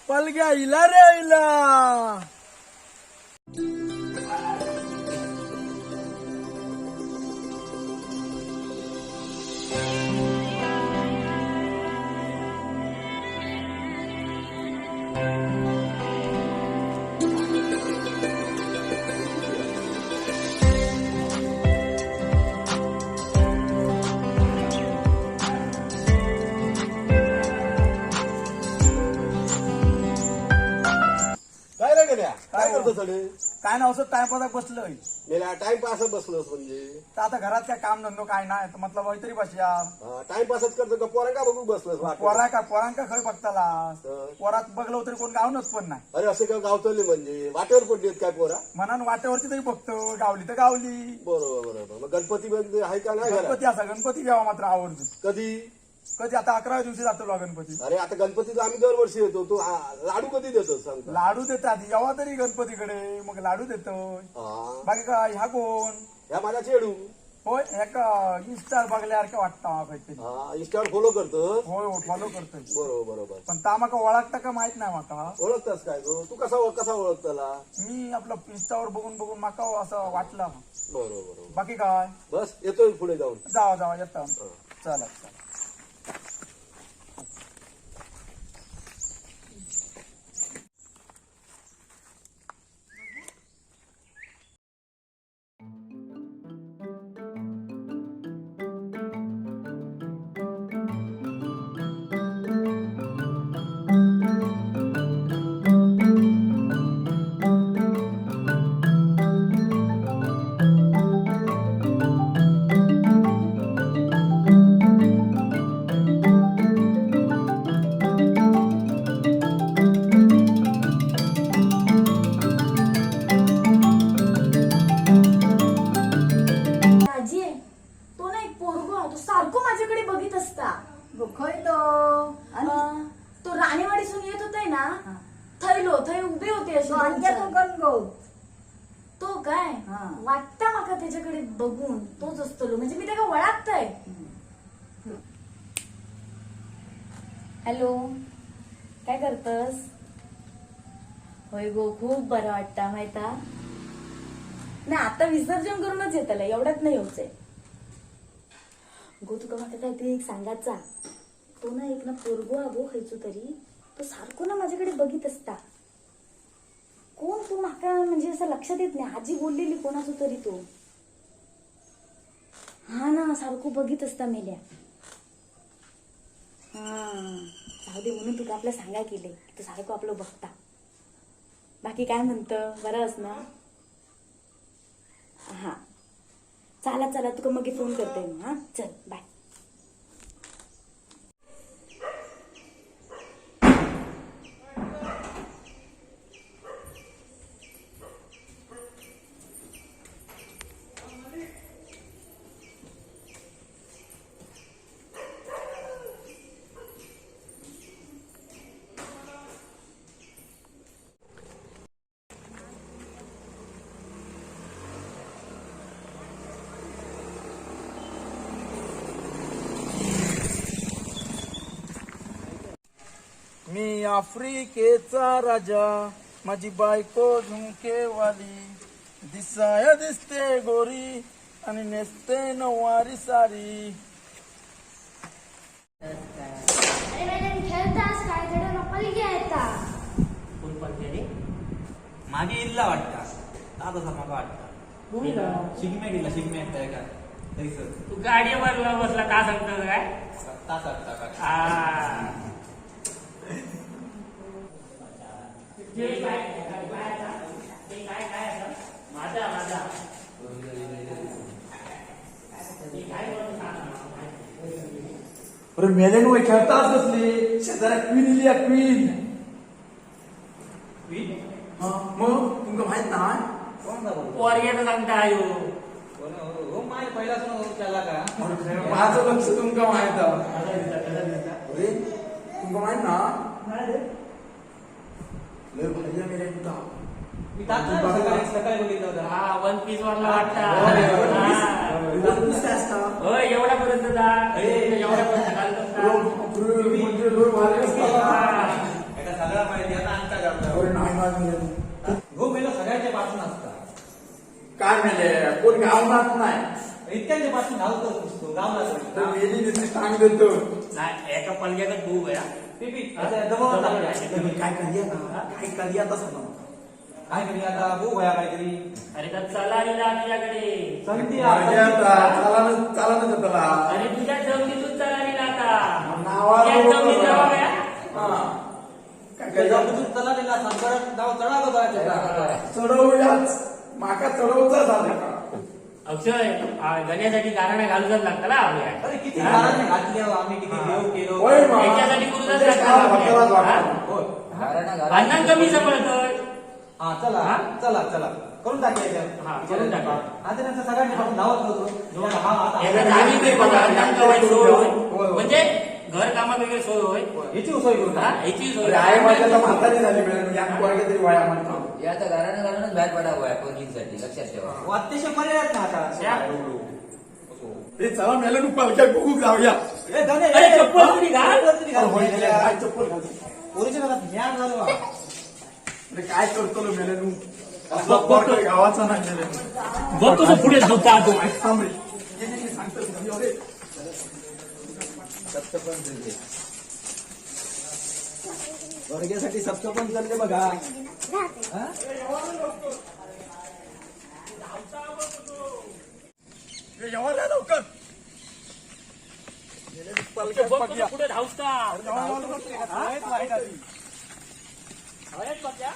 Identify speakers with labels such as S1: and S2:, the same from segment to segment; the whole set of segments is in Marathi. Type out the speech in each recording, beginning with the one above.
S1: पलग्या इला रे इला.
S2: काय करतो थोडे
S1: काय ना असं टाइमपास बसलोय.
S2: मेला टाइमपास बसलोस म्हणजे
S1: तर आता घरात काय काम धंदो काय नाही तर म्हटलं वैतरी बसया.
S2: टाइमपासच करतो का पोरांका बघू बसलोस वाटतं?
S1: पोरांका खय बघताला
S2: तर.
S1: पोरात बघलो तरी कोण गावनच पण नाही.
S2: अरे असे का गावतले म्हणजे वाटेवर पडलीत काय पोरा?
S1: म्हणून वाटेवरती तरी बघतो गावली तर गावली.
S2: बरोबर बरोबर. मग गणपती मध्ये आहे का नाही घरात?
S1: गणपती असा गणपती घ्यावा मात्र आवडतो.
S2: कधी?
S1: कधी आता 11व्या दिवशी जातो गणपती.
S2: अरे आता गणपतीचा आम्ही दरवर्षी येतो. तू लाडू कधी देतो सांगता?
S1: लाडू देतात यावा तरी गणपतीकडे मग लाडू देतो.
S2: हा.
S1: बाकी काय ह्या कोण
S2: ह्या माझा चेडू.
S1: होय ह्या इंस्टा बघल्यासारखं वाटतं काहीतरी.
S2: हा इंस्टावर फॉलो करतो.
S1: होय फॉलो करतोय.
S2: बरोबर बरोबर.
S1: पण ता माका ओळखता का माहित नाही माका.
S2: ओळखतास काय तू कसा कसा ओळखताला?
S1: मी आपलं इंस्टावर बघून बघून माका असं वाटलं.
S2: बरोबर बरोबर.
S1: बाकी काय
S2: बस येतोय पुढे जाऊन.
S1: जावा येतो. चला चला.
S3: आजी तो ना एक पोरगो तो सारखो माझ्याकडे बघित असता.
S4: खय तो
S3: तो राणेवाडीसून येत होते ना थंय उभे होते असे दोन
S4: आणखी तो
S3: चार.
S4: गणगोत
S3: तो काय
S4: हा.
S3: वाटतं माका त्याच्याकडे बघून तोच असतो म्हणजे मी त्याला ओळखताय. हॅलो काय करतस? होय गो खूप बरं वाटतं माहिता. नाही आता विसर्जन करूनच येतलं एवढ्यात नाही होतंय गो. तुका माका काय ते एक सांगायचा. तो ना एक ना पोरगो अगो खायचो तरी तो सारखो ना माझ्याकडे बघित असता. कोण तू माका म्हणजे असं लक्षात येत नाही. आजी बोललेली कोणाचो तरी तो. हा ना सारखो बघित असता मेल्या. हा जाऊ दे म्हणून तुका आपल्या सांगाय केले तो सारखं आपलं बघता. बाकी काय म्हणतं बरंच ना? हा चला चला तुका मग फोन करते मी. हा चल बाय.
S1: मी आफ्रिकेचा राजा माझी बायको झुमकेवाली. दिसाया दिसते गोरी आणि नेसते नऊवारी सारी.
S5: अरे मॅडम खेळतास काय थोडं नपल घ्यायचा.
S6: कोण पडते रे? मागे इल्ला वाटता दादा मागा वाटता. शिगमे गेला शिगमे येताय का
S7: तू गाडीवर बसला का सांगतो काय?
S6: सत्ता सत्ता का
S7: हा. ते काय असं? माझा
S1: अरे मेले नो खेळताच कसले शेजाऱ्या क्वीन इली क्वीन. मग तुमका माहित नाही?
S7: पोरग्याचं सांगता आयो.
S6: हो माय पहिलाच त्याला का
S1: माझं लक्ष तुमका माहित. अरे तुमका माहित ना लय भारी मेले तुमका.
S6: मी सकाळी बघितलं होतं.
S7: हा 1 पीस वरला वाटता.
S1: काय असता?
S7: होय एवढ्यापर्यंत जा. एवढ्यापर्यंत घालत असता.
S1: म्हणजे लोक भारी असतात.
S6: सगळा माहिती हो मेलो सगळ्यांच्या पासून असता
S1: काय म्हणजे कोण गावनात नाही
S6: इतक्यांच्या पासून घालतोच नुसतो गावला
S1: तर मेली नुसती टांग देतो
S7: नाही एका पलग्यात भाऊ गया
S6: काय करूया तसं काय करूया आता बघू भया काहीतरी
S7: अरे तर चला लिहिला तुझ्याकडे
S6: संधी
S1: चालानच त्याला
S7: अरे तुझ्या जमिनीतून चला लिहिला आता
S1: नावावर
S7: तुझ्या
S1: बोलतो
S7: जमिनीत
S1: ना.
S7: जावा गया.
S1: हा. काय
S6: चला दिला संकरण गाव चढा
S1: चढवूयाच माका चढवचा झाला का
S7: अक्षय गण्यासाठी कारण घालूनच लागतं ना आपल्या
S6: अरे किती घराने घातले हो, आम्ही किती देव केलो
S1: होय मा.
S7: याच्यासाठी गुरुदास
S1: म्हणजे
S7: लागतात
S1: काय
S7: आपल्याला.
S1: भक्तालाच
S7: हा?
S1: वाटतं.
S6: होय.
S7: भांडण कमी समजतोय
S6: हा चला
S7: हा?
S6: चला चला करून टाकूया
S7: हा, करून टाकूया.
S6: आता त्यांचं सगळ्यांनी आपण धावत होतो हा आता
S7: एका जागी ते बघा, भांडण कवायची सोय होय.
S1: होय.
S7: म्हणजे घर कामा वगैरे सोय होय
S6: याची सोय करू
S7: हा, याची सोय
S1: अरे आहे माझ्या म्हातारी झाली मिळेल या पोरगे तरी वया म्हणतो
S4: या आता घरानं घालूनच बाहेर पडावं पोरगींसाठी लक्षात ठेवा
S6: अतिशय पर्याय ना आता
S1: हे चला मेले तू पालख्या बघू जाऊया
S6: ए, जाऊ दे,
S7: अरे,
S6: ए,
S7: चप्पल तरी घाल.
S6: चप्पल तरी घाल.
S1: काय चप्पल घालतो?
S6: पोरीच्या घरात ज्ञान झालं बा.
S1: अरे काय करतो लो मेले तू असला पोरगा गावाचा नाही मेले
S7: बघ कसं पुढे झोपा तो
S1: थांब रे. ये सांगतो तुला, अरे.
S6: वर्गासाठी सप्तपण चालले बघा हा?
S1: ये यावर या लवकर मेले तू पालख्या
S7: बघ
S1: पक्या.
S7: कसं पुढे धावता
S1: आहेत वाईट आधी.
S7: आहेत पक्या?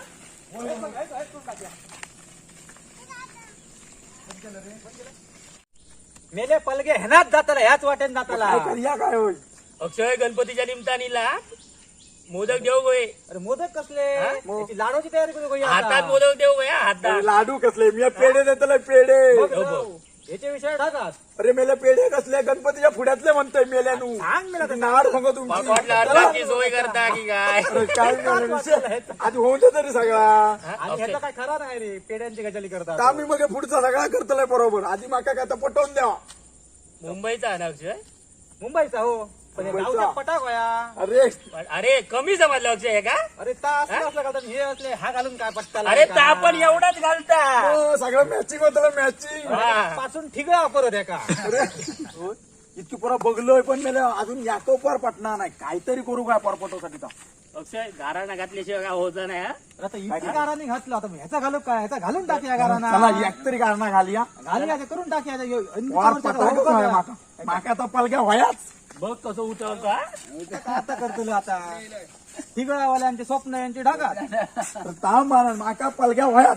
S6: मेले पलगे ह्यानाच जाताला ह्याच वाटेन जाताला
S1: काय करूया काय होय
S7: अक्षय गणपतीच्या निमतानीला मोदक देऊ गोय
S6: अरे मोदक कसले
S7: हा?
S6: याची लाडूची तयारी करू गया आता.
S7: हातात मोदक देऊ गया
S1: अरे
S7: हातात
S1: लाडू कसले मी पेढे देतले पेढे
S6: बघ
S7: हो,
S6: ना.
S7: हो.
S6: याचे विषय टाकात
S1: अरे मेले पेढे कसले गणपतीच्या पुढ्यातले म्हणतोय मेल्यानू
S6: सांग मला ते.
S1: नाड सांगतो
S7: मग
S1: तुमची
S7: वाटलं अर्धाची सोय करता की काय
S1: अरे काय मेले विषय आधी होऊन दे तरी सगळा
S7: हा?
S6: आणि
S7: अक्षय,
S6: ह्याचा काय खरा नाही रे पेड्यांची गजाली करतात
S1: आता आम्ही मग पुढचा सगळा करतोय बरोबर आधी माका काय आता पटवून द्यावा
S7: मुंबईचा आहे ना अक्षय
S6: मुंबईचा हो पण हे
S1: मुंबईचा.
S6: गावचा पटाक होया
S1: अरे
S7: पण अरे कमी समजलं अक्षय हे का
S6: अरे ता असलं असलं घालतात हे असले हा घालून काय पट्टा
S7: अरे ता पण एवढाच घालता
S1: सगळं मॅचिंग होतं मॅचिंग
S7: हा.
S6: पासून ठिगळा परत आहे का
S1: अरे हो, इतकी पोरा बघलोय पण मेले अजून याको पार पटणार नाही काहीतरी करू काय परपटोसाठी
S7: अक्षय गाराणा घातल्याशिवाय काय होत नाही हा?
S6: आता इतकी गाराने घातलं आता ह्याचा घालू काय ह्याचा घालून टाकूया गाराना
S1: चला एक तरी गारणा घालूया
S6: घालूया ते करून टाकूया ते.
S1: वार पटवूच नाही माका माका आता पलग्या व्हायाच
S7: बघ कसं उठवता
S6: काय आता करतो आता ठिगळावाल्यांचे स्वप्न यांचे ढाकात
S1: तर ता माना माका पलग्या व्हायाच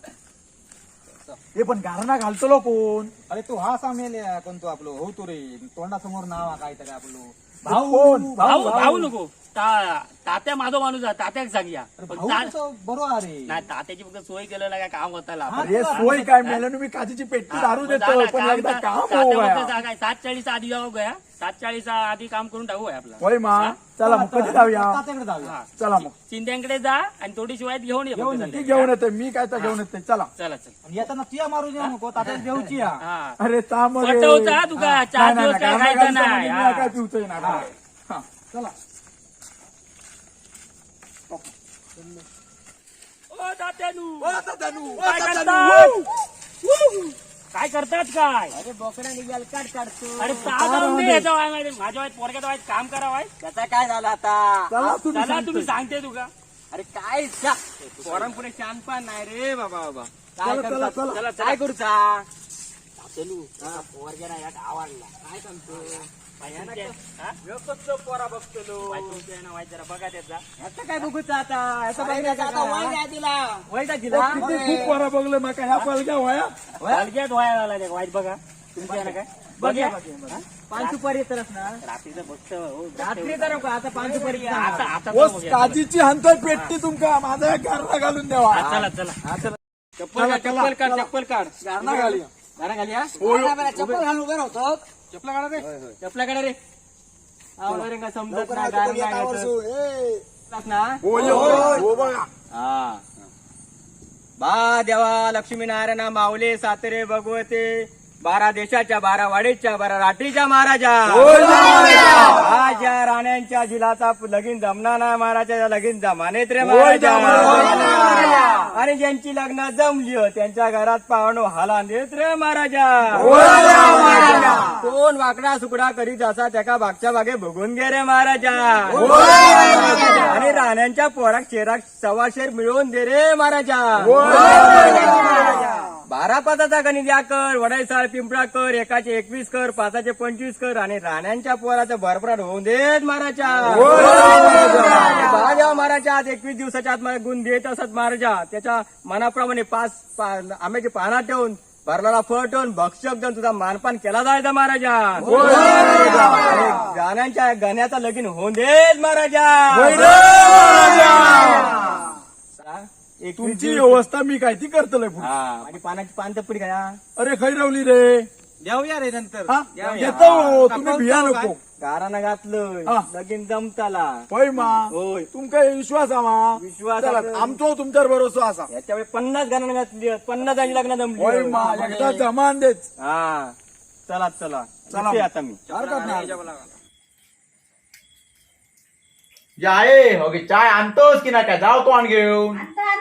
S1: हे पण गारणा घालतलो कोण
S6: अरे तू हा सामेल कोणतो आपलो हो तो रे तोंडासमोर नाव आहे काहीतरी आपलं
S1: भाऊ कोण
S7: भाऊ भाऊ नको तात्या माझा माणूस आहे तात्याक सांगूया
S6: अरे
S7: पण
S6: भाऊ
S7: ता-
S6: कसं बरोबर आहे
S7: नाही तात्याची फक्त सोय केलं ना काय काम होता
S6: हा,
S1: अरे सोय काय मेल्यानं मी काजीची पेट्टी दारू देतो पण एकदा काम हो गया
S7: 7:40 आधी जाऊ गया 7:40 आधी काम करून टाकू आहे आपला
S1: होय मा चला मग कधी जाऊया
S6: तात्याकडे जाऊया
S1: चला मग
S7: चिंध्यांकडे जा आणि थोडी शिवाय घेऊन ये फक्त
S1: ती
S7: संध्याकाळी.
S1: घेऊन येते मी काय तर घेऊन येते चला
S7: चला चल
S6: आणि येताना तुया मारून येऊ नको तात्याला देऊची या
S7: हा
S1: अरे ता मग
S7: पटवता तुका 4 दिवस काय खायचं नाही हा.
S1: काय पिवतोय ना हा चला
S7: ओ तात्यानू
S1: तात्यानू,
S7: काय
S1: तात्यानू,
S7: करतात? काय करतात काय
S4: अरे बोकडा निघाल काढ काढतो
S7: अरे साधारण नाही याच्या वाय माझ्या वाईट पोरग्याच्या वाईट काम करावाय
S4: त्याचा काय झाला आता
S1: चला तुम्ही
S7: चला
S1: सांगतोय.
S7: तुम्ही सांगते तुका
S4: अरे काय पोरांपुढे शान पण नाही रे बाबा बाबा काय
S1: चला, चला, चला.
S7: चला
S4: काय
S7: चला
S4: करूचा चलू पोरग्याला यात आवडला काय सांगतो
S7: पोरा बघतो वाईट जरा बघा त्याचा
S4: याचा काय बघूचा आता याचा आता वय काय दिला
S6: वैदा
S1: ओ,
S6: दिला
S1: किती खूप बरं बघलं मग ह्या पलग्या व्हाया
S7: हलक्यात व्हायला आला ते वाईट बघा तुमच्या ना काय बघ्या
S6: पाच सुपारी येतच ना
S7: रात्रीचं बघतो हो,
S6: रात्री तर नको, आता पाच सुपारी
S7: आता आता
S1: ओ
S7: तर बघूया.
S1: काजीची हंतर पेट्टी तुमका माझा एक गारणा घालून द्यावा
S7: हा, चला चला चप्पल काढ
S1: चला,
S7: चप्पल काढ
S1: चला.
S7: चप्पल काढ
S1: गारणा घालूया
S7: गाणं घाल या
S4: चप्पल घालून उभे राहतो
S7: चपला काढा रे चपला काढा रे आवडा रे का समजत
S4: लवकर
S7: नाही
S4: आता
S7: गाणं
S4: कोणी
S7: नाही
S4: एका
S7: गायचं.
S4: वर्षू, ए.
S7: टाक ना
S1: हो ये, हो बघा
S4: बा देवा लक्ष्मीनारायण माऊले सातरे भगवते 12 देशाच्या 12 वाडीच्या 12 राठीच्या महाराजा आज या राण्यांच्या झिलाचा लगीन जमणार नाही महाराजा लगीन जमानेत रे महाराजा आणि ज्यांची लग्न जमली हो, त्यांच्या घरात पाहुणो हाला देत रे महाराजा कोण वाकडा सुकडा करीत असा त्याका मागच्या भागे बघून घे रे महाराजा आणि राण्यांच्या पोराक शेराक 1.25 शेर मिळवून दे रे महाराजा 12 पाताचा गणित या कर वडाईसाळ पिंपळा कर एकाचे 21 कर 5चे 25 कर आणि राण्यांच्या पोराचं भरभराट होऊन देत महाराजा महाराजा आज 21 दिवसाच्या आत मला गुण देत असत महाराजा त्याच्या मनाप्रमाणे 5 आंब्याची पानं ठेवून भरलेला फळ ठेवून भक्षक देऊन तुझा मानपान केला जायचा महाराजा आणि गाण्यांच्या गाण्याचा लगीन होऊन देत महाराजा
S2: तुमची व्यवस्था मी काय ती करतलोय पुढे.
S4: आणि पानाची पान तपडी काय
S2: अरे खै रवली रे
S6: देऊया रे नंतर
S2: हा? येतो हो, तुम्ही भिया नको
S4: गारानं घातलं
S2: हा.
S4: लगीन जमताला
S2: होय मा
S4: होय.
S2: तुमका विश्वास मा
S4: विश्वास
S2: चला,
S4: आहे.
S2: आमचो तुमच्यावर भरोसा असा
S4: याच्यावेळी 50 गाणं घातली 50 लग्न
S2: होय मा
S4: जमली
S2: एकदा जमान देच
S4: हा चला चला
S2: चला.
S4: येते आता मी
S2: हरकत नाही
S6: जाय हो चाय आणतोस की ना काय जाऊ तो आण घेऊन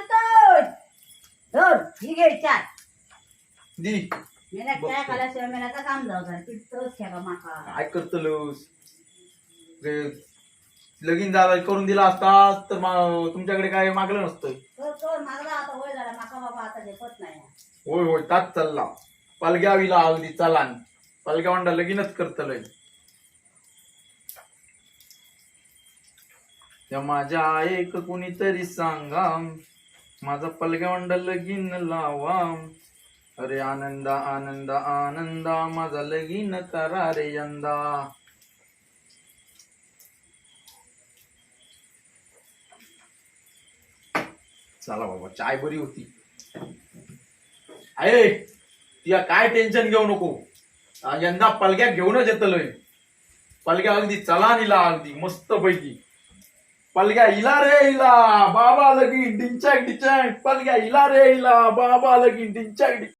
S8: ही घे चार
S6: दी
S8: मेहनत काय खाल्याशिवाय मेहनत काम जाऊ जर तोच खेळा माका
S6: काय करतलोस रे, लगीन झाला करून दिला असतास तर तुमच्याकडे काय मागलं नसतं
S8: तो मागला आता होय झाला माका बाबा आता झेपत नाही
S6: होय होय ताच चालला पलग्या विला अगदी चलान पलग्या वांडा लगीनच करतलंय त्या माझ्या एक कुणीतरी सांगा माझा पलग्या वांडा लगीन लावा अरे आनंदा आनंदा आनंदा माझा लगीन करा रे यंदा चला बाबा चाय बरी होती आहे तिला काय टेन्शन घेऊ नको यंदा पलग्या घेऊनच येतलोय पलग्या अगदी चला निला अगदी मस्त पैकी पलग्या इला रे इला बाबा लगीन डिंचॅक डिंचॅक पलग्या इला रे इला बाबा लगीन डिंचॅक डिंचॅक